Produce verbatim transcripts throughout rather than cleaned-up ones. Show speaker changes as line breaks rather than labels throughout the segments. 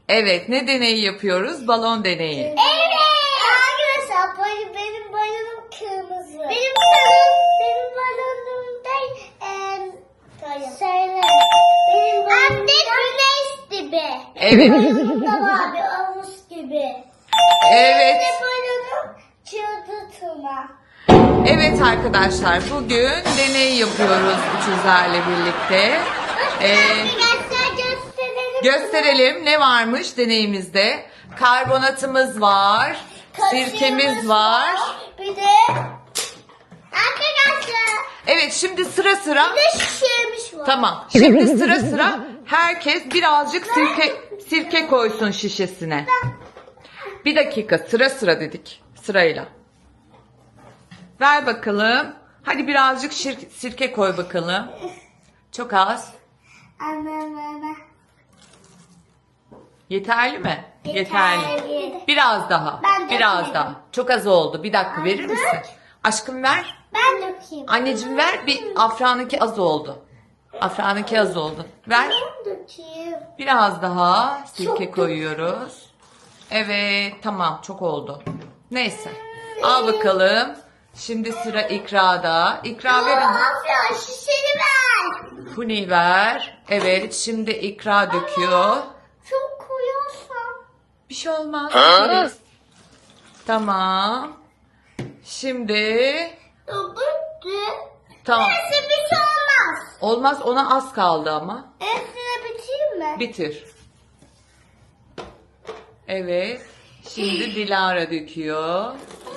Evet, ne deneyi yapıyoruz? Balon deneyi.
Evet. Arkadaşlar benim, benim balonum kırmızı. Benim balonum, benim balonum da eee söyle. Benim balonum da güneş gibi.
Evet.
Balonum da var bir omuz gibi.
Evet.
Benim balonum çıldırtma.
Evet arkadaşlar, bugün deney yapıyoruz üçüzlerle birlikte. Ee,
Arkadaşlar gösterelim.
gösterelim ne varmış deneyimizde. Karbonatımız var, sirkemiz var.
Bir de arkadaşlar
Evet, şimdi sıra sıra.
bir de şişemiz var.
Tamam. Şimdi sıra sıra herkes birazcık sirke sirke koysun şişesine. Bir dakika, sıra sıra dedik. Sırayla. Ver bakalım. Hadi birazcık şir- sirke koy bakalım. Çok az.
Anne anne.
Yeterli mi?
Yeterli.
Biraz daha.
Ben de
Biraz
yapayım.
daha. Çok az oldu. Bir dakika verir
Anne.
misin? Aşkım ver.
Ben dökeyim.
Anneciğim ver. Bir Afra'nınki az oldu. Afra'nınki az oldu. Ver.
Ben dökeyim.
Biraz daha sirke
Çok
koyuyoruz. Evet, tamam, çok oldu. Neyse. Al bakalım. Şimdi sıra İkra'da. İkra verin.
Afra şişeni ver.
Huni ver. Evet, şimdi İkra döküyor.
Çok koyarsan.
Bir şey olmaz. dökeriz. Tamam. Şimdi
Bitti.
tamam.
Neyse bir şey olmaz.
Olmaz, ona az kaldı ama.
Hepsini bitireyim mi?
Bitir. Evet. Şimdi Dilara döküyor.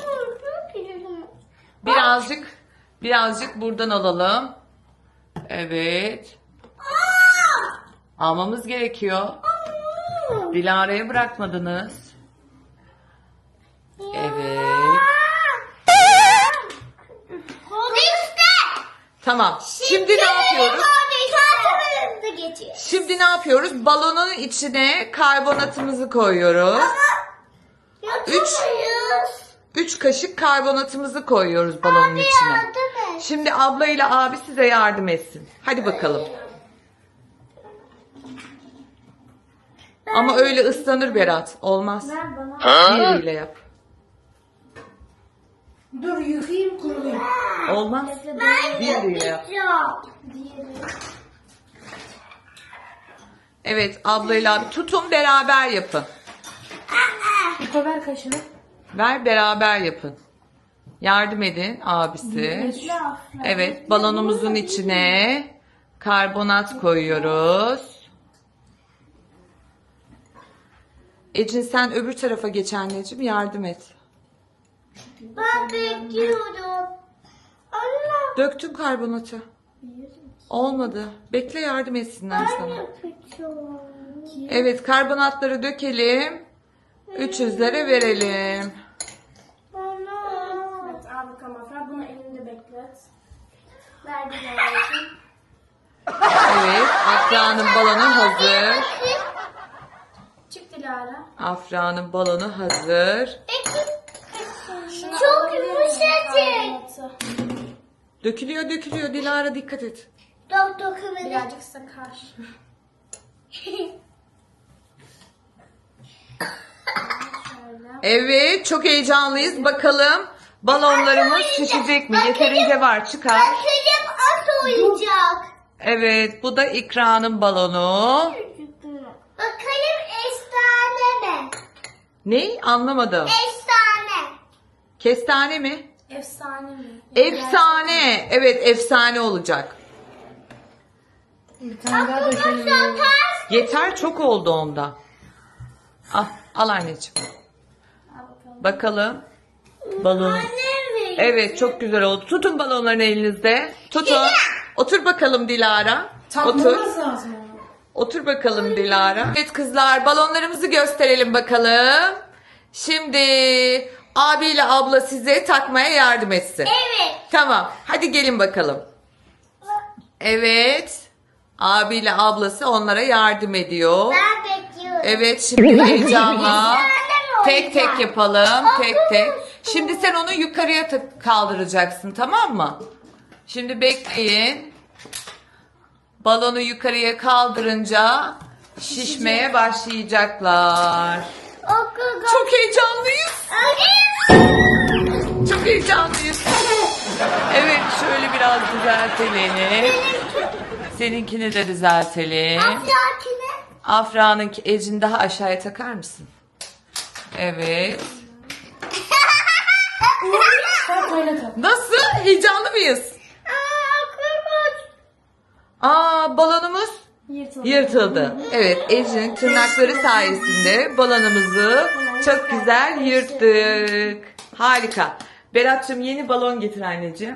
Birazcık birazcık buradan alalım. Evet. Almamız gerekiyor. Dilara'ya bırakmadınız. Evet. Tamam. Şimdi ne yapıyoruz? Şimdi ne yapıyoruz? Balonun içine karbonatımızı koyuyoruz. Üç. Üç kaşık karbonatımızı koyuyoruz balonun içine. Şimdi abla ile abi size yardım etsin. Hadi bakalım. Ama öyle ıslanır Berat. Olmaz. Diğeriyle yap.
Dur yıkayayım kurulayım.
Olmaz. Diğeriyle yap. Evet, ablayla abi tutun, beraber yapın.
İpo ver kaşını.
Ver, beraber yapın. Yardım edin abisi. Evet, balonumuzun içine karbonat koyuyoruz. Ecin sen öbür tarafa geç anneciğim, yardım et.
Ben bekliyorum. Allah.
Döktün karbonatı. Olmadı. Bekle, yardım etsinler
Ben
sana.
yapacağım.
Evet, karbonatları dökelim. üç yüzlere verelim.
Bana.
Evet al bakalım Afra. Bunu elinde beklet.
Verdim anneciğim.
Evet, Afra'nın balonu hazır.
Çık Dilara.
Afra'nın balonu hazır.
Çok yumuşacık.
Dökülüyor, dökülüyor. Dilara dikkat et.
Dok dokunmadı.
Birazcık sakar. Şöyle.
Evet, çok heyecanlıyız. Bakalım balonlarımız şişecek mi? Yeterince var, çıkar.
Bakalım at oyuncak.
Evet, bu da İkra'nın balonu.
Bakalım efsane mi?
Ne? Anlamadım.
Efsane.
Kestane mi?
Efsane mi?
Efsane. Evet, efsane olacak.
Bir tane daha
Aklıma
dökelim.
ters.
Yeter, çok oldu onda. Al, al anneciğim.
Al bakalım.
Bakalım. Balon.
Annem veriyor.
Evet, çok güzel oldu. Tutun balonlarını elinizde. Tutun. Otur bakalım Dilara. Otur.
Tatmamız lazım onu.
Otur bakalım Dilara. Evet kızlar, balonlarımızı gösterelim bakalım. Şimdi abiyle abla size takmaya yardım etsin.
Evet.
Tamam. Hadi gelin bakalım. Evet. Abiyle ablası onlara yardım ediyor.
Ben bekliyorum.
Evet, şimdi heyecanla
Efsane
tek
olacak.
tek yapalım. Tek tek. Şimdi sen onu yukarıya ta- kaldıracaksın, tamam mı? Şimdi bekleyin. Balonu yukarıya kaldırınca şişmeye başlayacaklar.
Okul.
Çok heyecanlıyız. Çok heyecanlıyız. Evet, şöyle biraz düzeltelim. Seninkini de düzeltelim.
Afrakine.
Afra'nın Ecin daha aşağıya takar mısın? Evet.
Sen öyle tak.
Nasıl? Heyecanlı mıyız? Aa, balonumuz
Yırtıldı.
yırtıldı. Evet, Ece'nin tırnakları sayesinde balonumuzu çok güzel yırttık. Harika. Berat'cığım yeni balon getir anneciğim.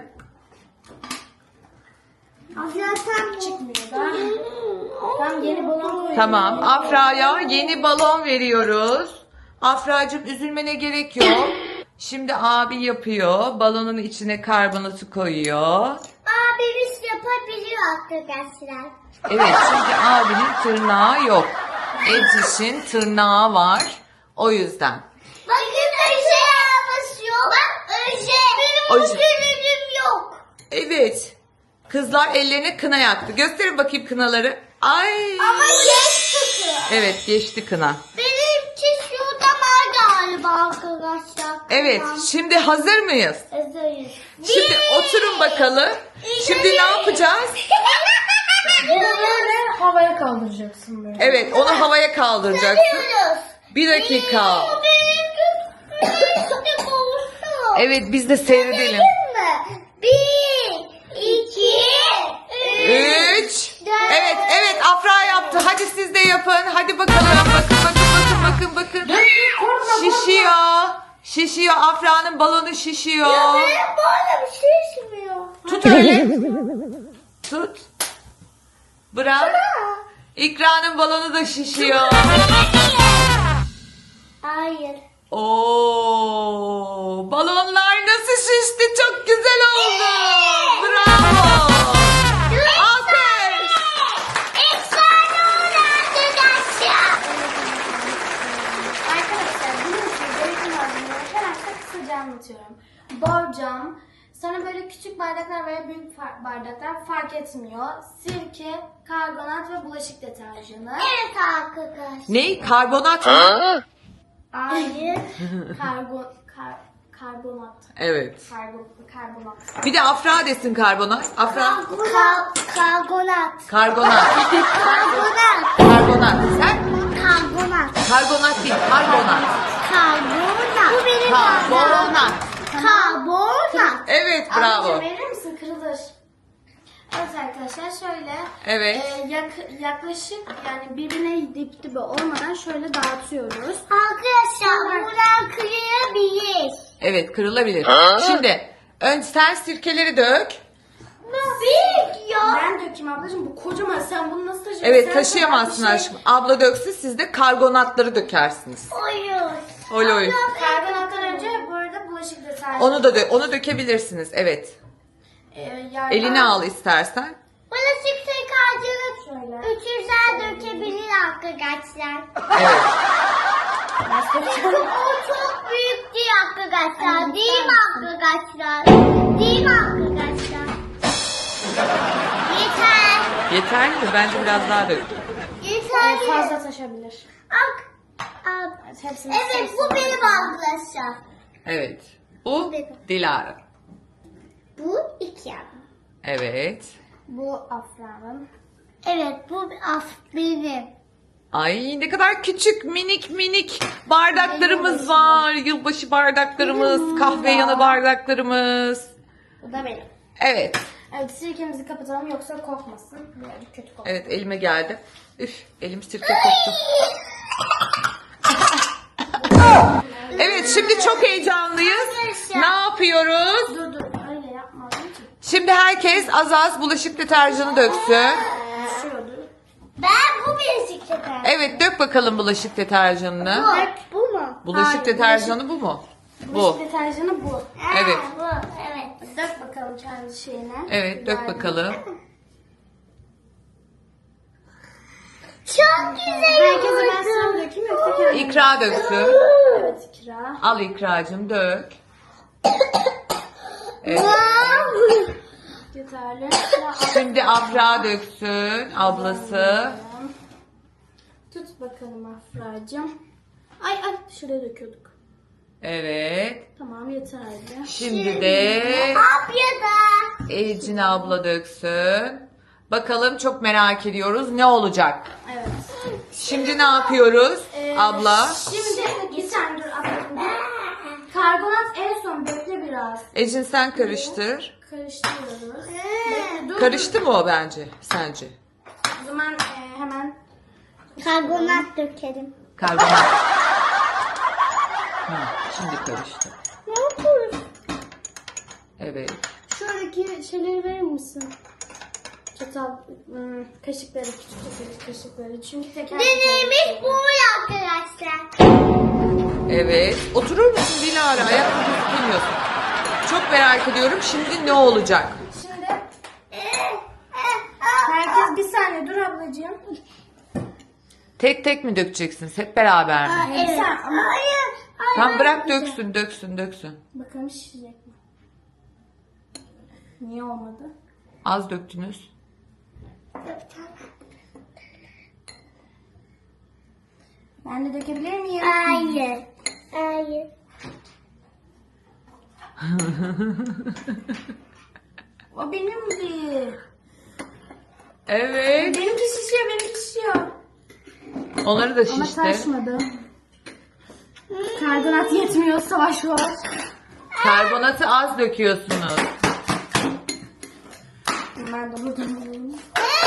Afrakine
Çıkmıyor. Ben, ben yeni balon koyuyorum.
Tamam, Afra'ya yeni balon veriyoruz. Afra'cığım üzülmene gerek yok. Şimdi abi yapıyor. Balonun içine karbonatı koyuyor.
Abimiz yapabiliyor arkadaşlar.
Evet, çünkü abinin tırnağı yok. Eciş'in tırnağı var. O yüzden.
Bakın Öje basıyor. Bak Öje. Benim
Öje.
Öje'lerim yok.
Evet. Kızlar ellerine kına yaktı. Gösterin bakayım kınaları. Ay.
Ama geç tutuyor.
Evet, geçti kına.
Benimki şurada var galiba arkadaşlar.
Evet, şimdi hazır mıyız?
Hazırız.
Şimdi oturun bakalım. Şimdi ne yapacağız?
Bunu böyle havaya kaldıracaksın böyle.
Evet, onu havaya kaldıracaksın.
Yapıyoruz.
Bir dakika.
Benimki olsun.
Evet, biz de seyredelim.
mi? Bir, iki, üç.
Üç. Evet, evet, Afra yaptı. Hadi siz de yapın. Hadi bakalım. Bakın, bakın, bakın, bakın, bakın. Şişiyor. Şişiyor. Afra'nın balonu şişiyor.
Benim böyle bir şey şişmiyor.
Tut öyle. Tut. Bırak. İkra'nın balonu da şişiyor.
Hayır.
Oo, balonlar nasıl şişti? Çok güzel oldu. Bravo. Alkış.
Efsane oldu arkadaşlar.
Arkadaşlar bunun için gerekli malzemeleri hemen kısaca anlatıyorum. Borcam, sonra böyle küçük bardaklar veya büyük far- bardaklar fark etmiyor. Sirke, karbonat ve bulaşık deterjanı.
Evet arkadaşlar.
Ne? Karbonat mı?
Hayır.
Karbon, kar, karbonat.
Evet.
Karbon, karbonat.
Bir de Afra desin karbonat. Afra.
Karbonat. Karbonat.
Karbonat.
Karbonat.
Karbonat. Sen?
Karbonat.
Karbonat değil. Karbonat.
Karbonat. Bu benim
Karbonat.
Karbonat.
Evet, bravo.
Ablacığım verir misin? Kırılır. Evet arkadaşlar şöyle
Evet.
e, yak- yaklaşık yani birbirine dip dibe olmadan şöyle dağıtıyoruz.
Arkadaşlar buradan kırılabilir.
Evet, kırılabilir. Şimdi önce sen sirkeleri dök.
Büyük ya.
Ben dökeyim ablacığım, bu kocaman, sen bunu nasıl taşıyorsun?
Evet,
Sen
taşıyamazsın
sana bir şey-
aşkım. Abla döksün, siz de karbonatları dökersiniz.
Oyun.
Oy oy.
Karbonattan önce bu arada bulaşık deterjanı.
Onu da dö- onu dökebilirsiniz. Evet.
E, yardım-
Eline al istersen.
Bulaşık yıkayıcılık
Şöyle.
üçüncüler dökebilir arkadaşlar.
Evet.
O çok büyük değil arkadaşlar. Değil mi arkadaşlar? Değil mi arkadaşlar? Yeter.
Yeterli mi? Bence biraz daha dök.
Yeter.
E, fazla taşabilir.
Bak. Al.
Evet, hepsini
Evet bu benim arkadaşlar.
Evet. Bu Dilara.
Bu iki yani.
Evet.
Bu Afra'nın.
Evet bu af benim.
Ay ne kadar küçük minik minik bardaklarımız var. Yılbaşı bardaklarımız, kahve yanı bardaklarımız.
Bu da benim.
Evet.
Evet, sirkemizi kapatalım yoksa kokmasın. Böyle kötü kokmasın.
Evet, elime geldi. Üf, elim sirke koktu. Evet, şimdi çok heyecanlıyız. Ne yapıyoruz?
Dur dur, öyle yapma ablacığım.
Şimdi herkes az az bulaşık deterjanı döksün.
Düşüyordu.
Ben bu bilezik yeter.
Evet, dök bakalım bulaşık deterjanını.
Bu, bu mu?
Bulaşık
Hayır,
deterjanı bu mu?
Bulaşık
Bu.
deterjanı bu.
Evet.
Ha, bu evet.
Dök bakalım kendi şeyine.
Evet, dök bakalım.
Çok güzel
Herkese ben
oldu.
sıra dökeyim yoksa kendim.
İkra döksün.
Evet, ikra.
Al İkracığım, dök. Evet.
Wow.
Yeterli. Sıra
Şimdi Afra döksün, ablası.
Tut bakalım Afra'cığım. Ay ay şuraya döküyorduk.
Evet.
Tamam yeterli.
Şimdi de
Abya da.
Ecin abla döksün. Bakalım, çok merak ediyoruz ne olacak.
Evet.
Şimdi ne yapıyoruz
Ee,
abla?
Şimdi bir saniye dur ablacığım. Karbonat en son bekle biraz.
Ecin sen karıştır.
Karıştırıyoruz. Bekle dur.
Karıştı mı o bence sence?
O zaman e, hemen
Karbonat dökelim.
Karbonat. Hı, şimdi karıştı.
Ne yapıyoruz?
Evet.
şuradaki şeyleri verir misin? Çatal, ım, kaşıkları, küçük küçük kaşıkları. Çünkü teker
Deneyimiz bu arkadaşlar.
Evet. Oturur musun Dilara? Ayakta gözükemiyorsun. Çok merak ediyorum. Şimdi ne olacak?
Şimdi herkes bir saniye dur ablacığım.
Tek tek mi dökeceksiniz? Hep beraber mi?
Evet. Sen, ama
Hayır.
Tamam, bırak döksün, döksün, döksün.
bakalım şişecek mi? Niye olmadı?
Az döktünüz.
Ben de dökebilir miyim?
Hayır. Hayır.
O benimdi.
Evet.
Benimki şişiyor, benimki şişiyor.
Onları da
Ama
şişti.
taşmadı. Karbonat yetmiyor, savaş var.
Karbonatı az döküyorsunuz.
Ben de buradan alayım.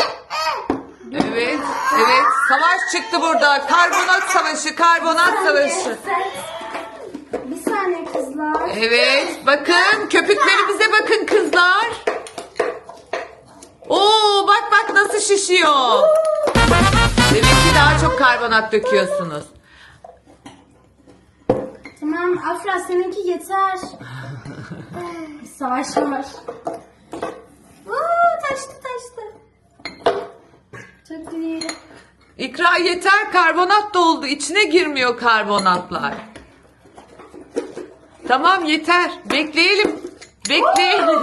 Evet. Evet. Savaş çıktı burada. Karbonat savaşı, karbonat savaşı.
Bir saniye kızlar.
Evet. Bakın, köpüklerimize bakın kızlar. Oo, bak bak nasıl şişiyor. Demek ki daha çok karbonat döküyorsunuz.
Tamam Afra seninki yeter. Savaş var. Oo, taştı taştı. Çok iyi.
İkra yeter, karbonat doldu. İçine girmiyor karbonatlar. Tamam yeter. Bekleyelim. Bekleyelim.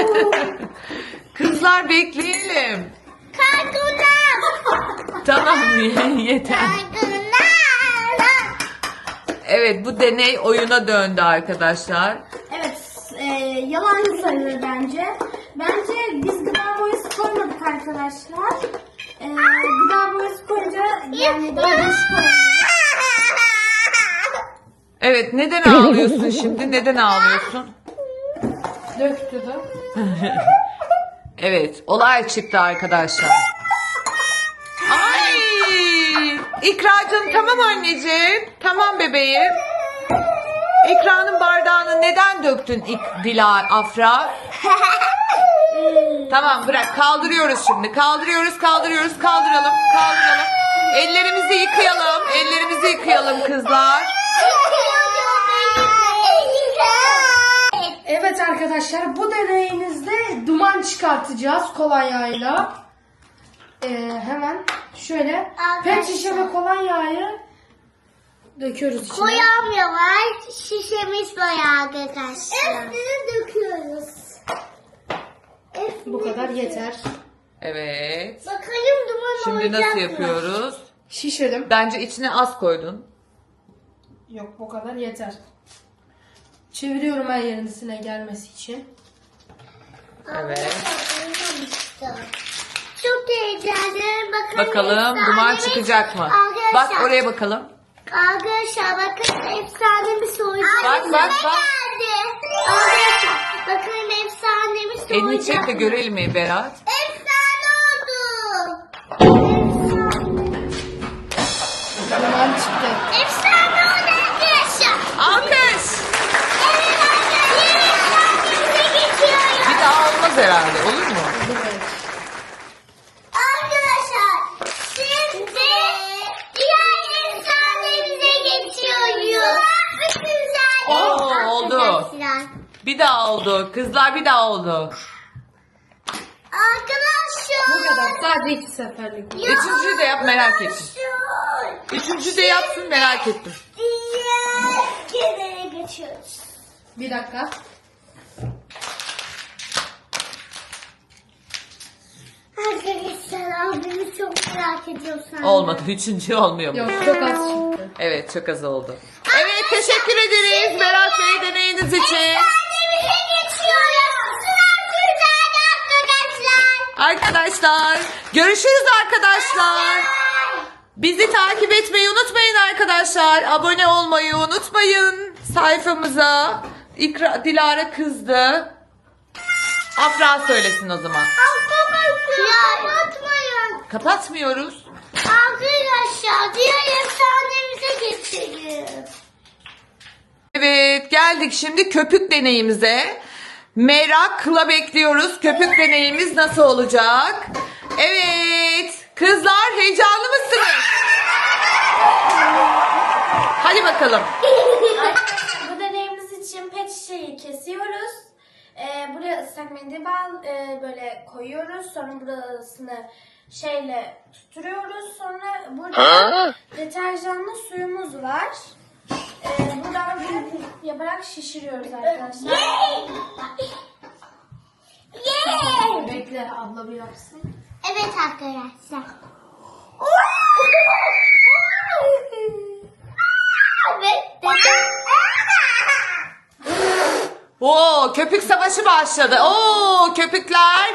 Kızlar bekleyelim.
Karbonat.
Tamam yeter.
Karbonat.
Evet, bu deney oyuna döndü arkadaşlar.
Evet, e, yalan sayılır bence. Bence biz gıda boyası koymadık arkadaşlar. E, gıda boyası koyunca yani daha değişik oluyor.
Evet, neden ağlıyorsun şimdi? Neden ağlıyorsun?
Döktü de.
Evet, olay çıktı arkadaşlar. Ay! İkracığım tamam anneciğim. Tamam bebeğim. İkra'nın bardağını neden döktün İk- Dila Afra? Tamam bırak, kaldırıyoruz şimdi. Kaldırıyoruz, kaldırıyoruz, kaldıralım, kaldıralım. Ellerimizi yıkayalım, ellerimizi yıkayalım kızlar.
Evet arkadaşlar, bu deneyimizde duman çıkartacağız kolonyayla. Ee, hemen şöyle pet şişe ve kolonyayı döküyoruz içine.
Koyamıyorlar. Şişemiz bayağı arkadaşlar. Hepsini döküyoruz.
Bu kadar yeter.
Evet.
Bakalım duman
Şimdi
olacak
nasıl
mı?
yapıyoruz?
Şişirdim.
Bence içine az koydun.
Yok, bu kadar yeter. Çeviriyorum her yerine gelmesi için.
Evet.
Çok heyecanlı. Bakalım,
Bakalım duman
efsanemiz-
çıkacak mı?
Arkadaşlar,
Bak oraya bakalım.
Arkadaşlar bakın efsane bir soyacak.
Bak, bak, bak.
Arkadaşlar bakın efsanemiz soyacak.
Elini çek de görelim mi Berat?
Efsane oldu.
Duman çıktı.
Efsane oldu arkadaşlar.
Alkış.
Evet arkadaşlar. Yeni efsanemize geçiyoruz.
Bir daha olmaz herhalde, olur mu?
Evet.
Arkadaşlar şimdi diğer efsanemize geçiyoruz. Çok güzel.
Oo, oldu.
Arkadaşlar.
Bir daha oldu. Kızlar bir daha oldu.
Arkadaşlar.
Bu kadar. Sadece iki seferlik.
Üçüncüyü de yap, merak ettim.
Arkadaşlar.
Üçüncü de yapsın, merak ettim.
Diğer kenara geçiyoruz.
Bir dakika.
Arkadaşlar abimiz çok merak ediyorum sen.
Olmadı. Üçüncü olmuyor mu?
Yok çok az çıktı.
Evet, çok az oldu. Evet, teşekkür ederiz Berat Bey deneyiniz için.
Annemize geçiyoruz. Sıra Türkler'de arkadaşlar.
Arkadaşlar, görüşürüz arkadaşlar. Bizi takip etmeyi unutmayın arkadaşlar. Abone olmayı unutmayın sayfamıza. İkra, Dilara kızdı. Afra söylesin o zaman.
Ya unutmayın.
Kapatmıyoruz.
Arkadaşlar diğer efsanemize geçelim.
Evet, geldik şimdi köpük deneyimize. Merakla bekliyoruz. Köpük deneyimiz nasıl olacak? Evet, kızlar heyecanlı mısınız? Hadi bakalım.
Bu deneyimiz için pet şişeyi kesiyoruz. Ee, buraya ıslak mendil bağ- e, böyle koyuyoruz. Sonra burasını şeyle tutturuyoruz. Sonra burada deterjanlı suyumuz var. Ee, buradan bir yaparak şişiriyoruz arkadaşlar.
Yeah!
Bekle abla bir yapsın.
Evet arkadaşlar.
Oo, köpük savaşı başladı. Oo, köpükler.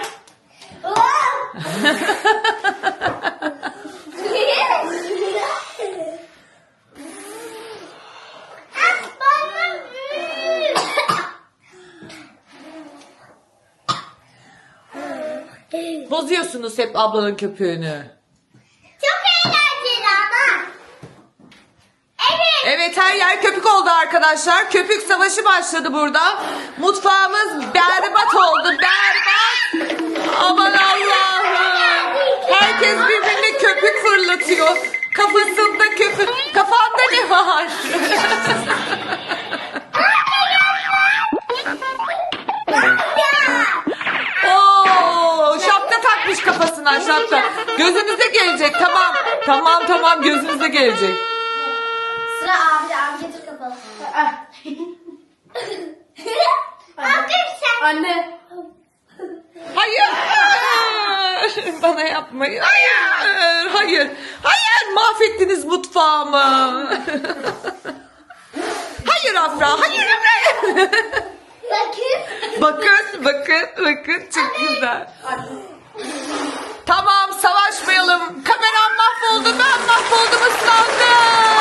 Bozuyorsunuz hep ablanın köpüğünü.
Çok eğlenceli ama. Evet.
Evet, her yer köpük oldu arkadaşlar. Köpük savaşı başladı burada. Mutfağımız berbat oldu. Berbat. Aman Allah'ım. Herkes birbirine köpük fırlatıyor. Kafasında köpük. Kafanda ne var? Oo, şapka takmış kafasına şapka. Gözünüze gelecek. Tamam. Tamam tamam gözünüze gelecek.
Sıra abi. Abi getir kapalı.
Ah,
Arkadaşlar.
anne.
Hayır. Bana yapmayın. Hayır. Hayır. Hayır. Mahvettiniz mutfağımı. Hayır Afra. Hayır Afra.
Bakın.
Bakın. Bakın. Bakın. Çok güzel. Tamam. Savaşmayalım. Kameram mahvoldu. Ben mahvoldum. Islandım.